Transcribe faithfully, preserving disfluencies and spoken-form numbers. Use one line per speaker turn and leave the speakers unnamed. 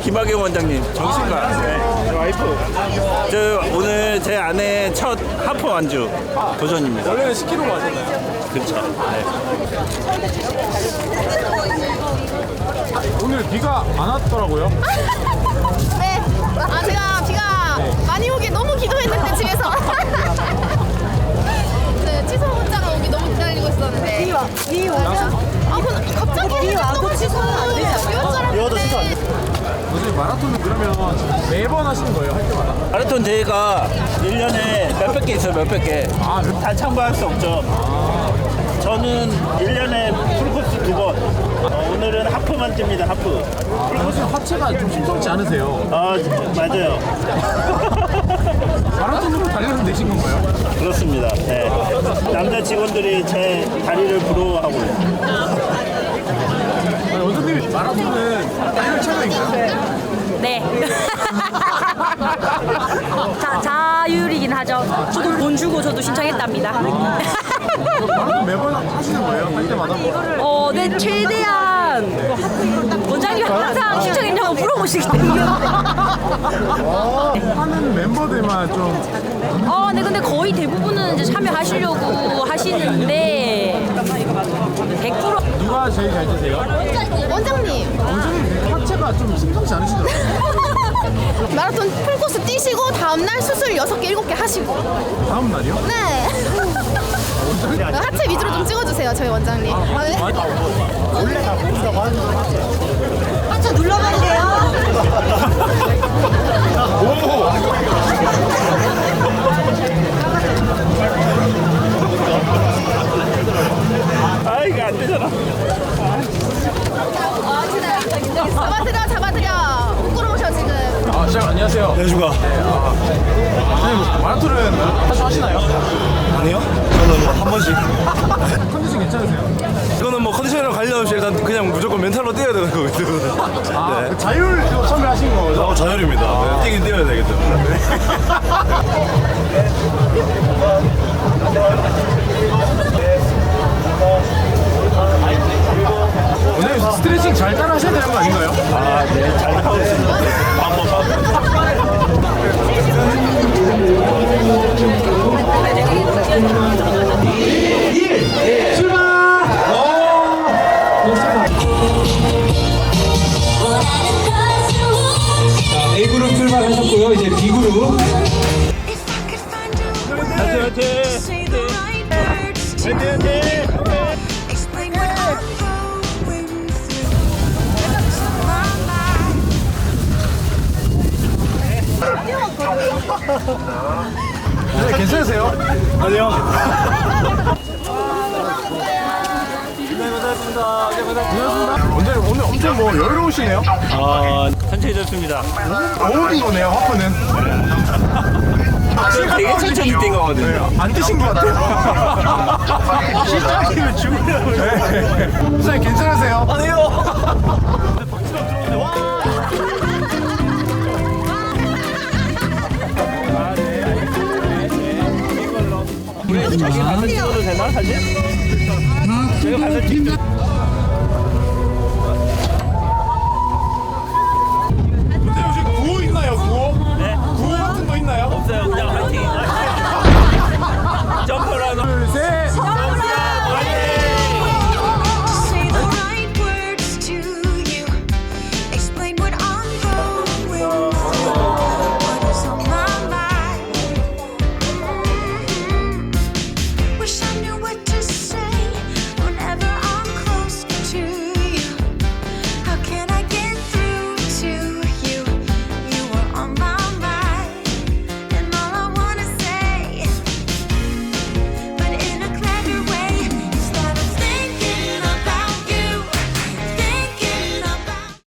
김학영 원장님, 정신과. 네. 와이프. 저 오늘 제 아내 첫 하프 완주 도전입니다.
원래는 십 킬로그램 맞았나요?
그렇죠. 네.
오늘 비가 안 왔더라고요.
네. 아 제가 비가 많이 오게 너무 기도했는데 집에서. 네, 취소 문자가 오기 너무 기다리고 있었는데. 비 와. 비 와. 아 근데 갑자기 비 와도 취소는 안 되지 않아요? 비 와도 취소 안 돼.
요즘 마라톤은 그러면 매번 하시는 거예요? 할 때마다?
마라톤 대회가 일 년에 몇백 개 있어요, 몇백 개.
아,
다 참가할 수 없죠. 저는 일 년에 풀코스 두 번. 어, 오늘은 하프만 뜁니다, 하프.
사실 하체가 좀 심상치 않으세요.
아, 맞아요.
마라톤으로 달려서 내신 건가요?
그렇습니다. 네. 남자 직원들이 제 다리를 부러워하고요.
아니, 원장님 마라톤은 달릴 체력인가요?
네. 자, 자율이긴 하죠. 저도 돈 주고 저도 신청했답니다.
마라톤 매번 하시는 거예요? 할 때마다?
어, 네, 최대한 원장님 항상 신청했냐고 물어보시기 때문에.
하는 멤버들만 좀
어, 네, 근데 거의 대부분은 이제 참여하시려고 하시는데 백 퍼센트
누가 제일 잘 드세요?
원장님.
원장님 하체가 좀 심상치 않으시더라고요.
마라톤 풀코스 뛰시고 다음날 수술 여섯 개, 일곱 개 하시고.
다음 날이요?
네. 하체 위주로 좀 찍어주세요, 저희 원장님. 아, 네.
원래 다 모른다고 하는 거
하체 눌러봐도 돼요?
아, 이게 안 되잖아.
잡아드려, 잡아드려. 부끄러우셔, 지금.
아, 시작 안녕하세요.
네, 주가.
선생님 마라톤은 자주 하시나요?
아니요? 저는 뭐 한 번씩.
컨디션 괜찮으세요?
이거는 뭐 컨디션이랑 관련 없이 일단 그냥 무조건 멘탈로 뛰어야 되는 거거든요.
아,
네.
그 자율 처음에 하신 거죠?
어, 자율입니다. 네, 뛰긴 뛰어야 되기 때문에.
오늘 스트레칭 잘 따라 하셔야 되는 거 아닌가요?
아, 네. 잘 하고 있습니다.
A그룹 출발하셨고요. 이제 B그룹.
화이팅, 화이팅! 화이팅, 화이팅!
네, 괜찮으세요?
아니요.
오늘, 오늘 엄청 뭐 여유로우시네요?
아, 천천히 졌습니다.
어울린 거네요, 하프는.
되게 천천히 뛴 거거든요.
안 드신 것 같아요.
시작이면 죽으려고.
네. 선생님 괜찮으세요?
아니요.
우리 저기 가서 찍어도 되나, 사진? 제가 가서 찍